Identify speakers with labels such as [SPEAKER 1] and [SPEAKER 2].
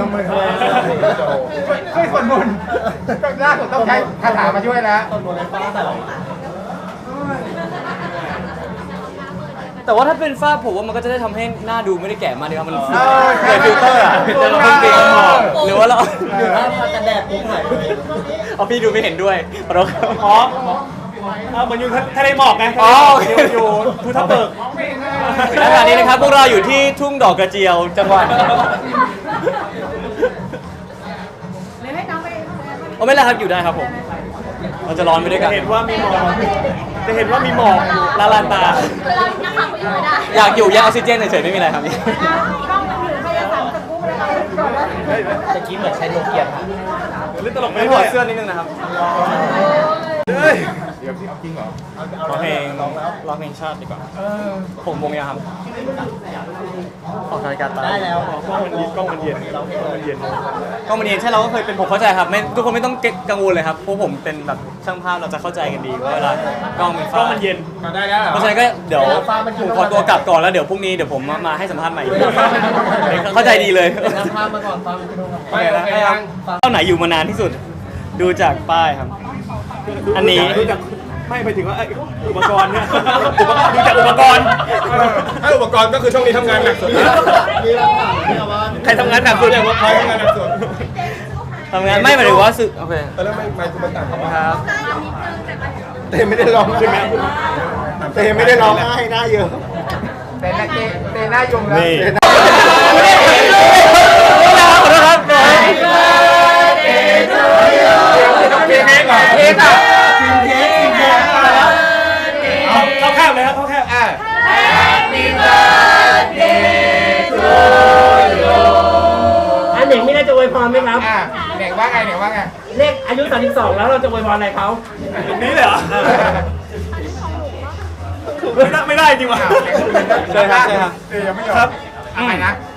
[SPEAKER 1] มมือช่วยสวดมนต์ล่าสุดต้องใช้คาถามาช่วยแล้วสวดมนต์ในฟ้า
[SPEAKER 2] แต่ว่าถ้าเป็นฝ้าผมว่ามันก็จะได้ทำให้หน้าดูไม่ได้แก่มากดีครับมันเหมือน
[SPEAKER 1] ใช่
[SPEAKER 2] ฟิลเตอร์อะแต่เราเป็นหมอกหรือว่าเรา
[SPEAKER 3] หรือว่าพอจะแดดปุ๊บหายเลย
[SPEAKER 2] เอาพี่ดูไม่เห็นด้วยขอโทษครับ
[SPEAKER 4] อ๋อเหมือนอยู่ทะเลหมอกไง
[SPEAKER 2] อ๋อ
[SPEAKER 4] อยู่ภูทับเบิก
[SPEAKER 2] ณขณะนี้นะครับพวกเราอยู่ที่ทุ่งดอกกระเจียวจังหวัดโอ้ไม่เป็นไรครับอยู่ได้ครับผมเราจะร้อนไปด้วยกัน
[SPEAKER 4] จะเห็นว่ามีหมอกละลานตา
[SPEAKER 5] คือเรานักข่าวก็อยู่ไม่ได้
[SPEAKER 2] อยากอยู่แยกออกซิเจนเฉยๆไม่มีอะไรครับพี่
[SPEAKER 5] กล้องมันอยู่พยายามจะกู้อะไรก่อนว่า
[SPEAKER 3] ตะกี้เหมือนใช้โนเกียค่ะ
[SPEAKER 4] เล่นตลกไป
[SPEAKER 2] ไม่ถ
[SPEAKER 4] ด้
[SPEAKER 2] อ
[SPEAKER 4] วย
[SPEAKER 2] ดเสื้อนิดนึงนะครับ
[SPEAKER 1] เดี๋ยวพี่เอาจริงเหรอ
[SPEAKER 2] ร้องเพลงชาติดีกว่าผมวงยังครับออกรายการตา
[SPEAKER 3] ได้แล้ว
[SPEAKER 4] กล้องมันเย็น
[SPEAKER 2] ก็มันเองใช่เราก็เคยเป็นผมเข้าใจครับไม่ทุกคนไม่ต้องกังวลเลยครับเพราะผมเป็นแบบช่างภาพเราจะเข้าใจกันดีว่าเวลากล้องมัน
[SPEAKER 4] กล้
[SPEAKER 2] ฟ้า
[SPEAKER 4] องมันเย็น
[SPEAKER 1] ได้แล้ว
[SPEAKER 2] เพราะฉะนั้นก็เดี๋ยวผมขอตัวกลับก่อนแล้วเดี๋ยวพรุ่งนี้เดี๋ยวผมมาให้สัมภาษณ์ใหม่เข้าใจดีเลย
[SPEAKER 3] น้ำพามาก่อนฟ้ามันจะโดน
[SPEAKER 1] ไปโอเคยัง
[SPEAKER 2] เจ้าไหนอยู่มานานที่สุดดูจากป้ายครับ อันนี้
[SPEAKER 4] ดูจากไม่ไปถึงว่าอุปกรณ์เนี่ยดูจากอุปกรณ์
[SPEAKER 1] ถ้าอุปกรณ์ก็คือช่วงนี้ทำงานหนักสุด
[SPEAKER 3] มีหลักฐานที่เอาว่า
[SPEAKER 4] ใครทำงานหนักสุดเนี่ย
[SPEAKER 1] ใครทำงานหนักสุด
[SPEAKER 2] ทำงานไม่หมายถึงว่าสึกโอเค
[SPEAKER 1] ตอนแรกไม่คุณมาต่างเข้ามา
[SPEAKER 2] ครับ
[SPEAKER 1] เต้ไม่ได้ร้องใช่ไหมเต้ไม่ได้ร้องไห้หน้าเยอะเต้หน้าเต้หน้ายมแล้ว
[SPEAKER 4] นี่
[SPEAKER 2] ขอโทษครับ
[SPEAKER 1] เค้กอ่ะเค้กอ่ะ
[SPEAKER 4] เข้าแคบเลยครับเข้าแคบ
[SPEAKER 3] อันหนึ่งไม่ได้จะอวยพรไหมครับ
[SPEAKER 1] เด็กว่าไงเด็กว่าไง
[SPEAKER 3] เลขอายุ32แล้วเราจะอวยพรอะไรเขา
[SPEAKER 4] นี้เลยเหรอไม่ได้จริงว่ะ
[SPEAKER 1] เชิญครับเชิญครับยังไม่ยอมครับอะไรนะ